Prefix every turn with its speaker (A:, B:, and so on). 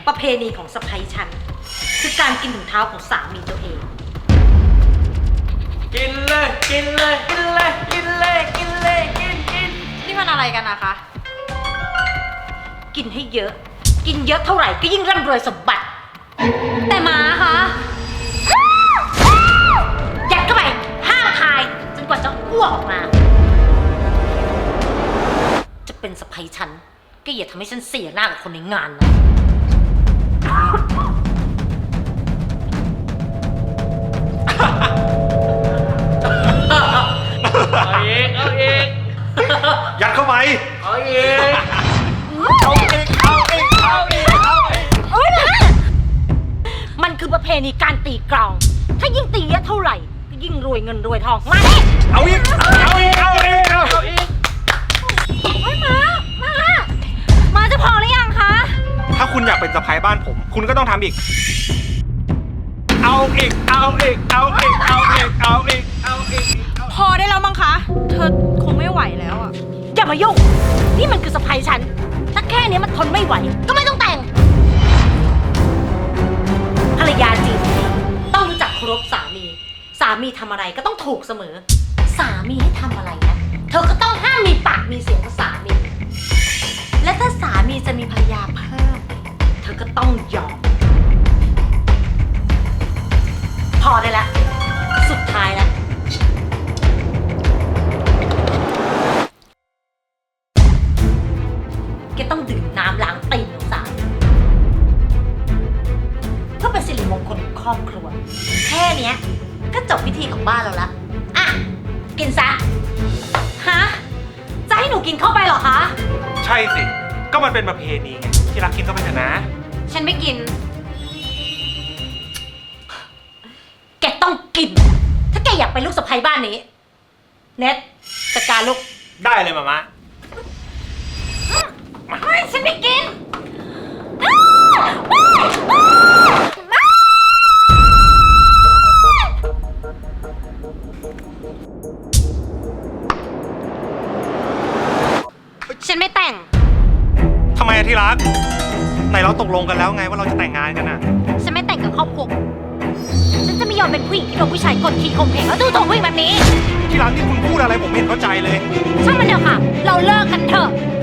A: ประเพณีของสะใภ้ฉันคือการกินถุงเท้าของสามีตัวเอง
B: กินเลยกินเลยกินเลยกินเลยกินเลยกิน
C: นี่มันอะไรกันนะคะ
A: กินให้เยอะกินเยอะเท่าไหร่ก็ยิ่งร่ำรวยสมบัติแต่หมาคะยัดเข้าไปห้ามทายจนกว่าจะอ้วกออกมาจะเป็นสะใภ้ฉันก็อย่าทำให้ฉันเสียหน้ากับคนในงานนะ
B: เอาอีกเอาอีก
D: ยัดเข้าไป
B: เอาอีก
D: เอาอีกเอาอีกเอาอีกเอาอีก
A: โอ๊ยนะมันคือประเพณีการตีกลองถ้ายิ่งตีเยอะเท่าไหร่ก็ยิ่งรวยเงินรวยทองมาดิ
D: เอาอีกเอาอีกเอาอีกเอาอีก
A: โอ๊ยมาจะพอหรือยังคะ
D: ถ้าคุณอยากเป็นสะใภ้บ้านผม คุณก็ต้องทำอีกเอาอีกเอาอีกเอาอีกเอาอีกเอาอีกเอาอีก
C: พอได้แล้วมั้งคะ เธอคงไม่ไหวแล้วอะ
A: อย่ามายุ่งนี่มันคือสะใภ้ฉันถ้าแค่นี้มันทนไม่ไหวก็ไม่ต้องแต่งภรรยาจริงต้องรู้จักเคารพสามีสามีทำอะไรก็ต้องถูกเสมอสามีให้ทำอะไรนะเธอก็ต้องห้ามมีปากมีเสียงกับสามีและถ้าสามีจะมีภรรยาเพิ่มเธอก็ต้องยอมพอได้แล้วสุดท้ายแล้วแกต้องดื่มน้ำล้างตีนของสามีเพื่อเป็นสิริมงคลของครอบครัวแค่เนี้ยก็จบพิธีของบ้านเราละอ่ะกินซะฮะจะให้หนูกินเข้าไปเหรอคะ
D: ใช่สิก็มันเป็นประเพณีไงที่รักกินเข้าไปเถอะนะ
A: ฉันไม่กินแกต้องกินถ้าแกอยากเป็นลูกสะใภ้บ้านนี้เน็ตจัดการลูก
D: ได้เลยมามะ
A: ไม่ฉันไม่กินฉันไม่แต่ง
D: ทำไมอะที่รักไหนเราตกลงกันแล้วไงว่าเราจะแต่งงานกันอะ
A: ฉันไม่แต่งกับครอบครัวฉันจะไม่ยอมเป็นผู้หญิงที่โดนผู้ชายกดขี่ข่มเหงแล้วดูถูกผู้หญิงแบบนี้
D: ที่รักที่คุณพูดอะไรผมไม่เห็นเข้าใจเลย
A: ช่างมันเถอะค่ะ เราเลิกกันเถอะ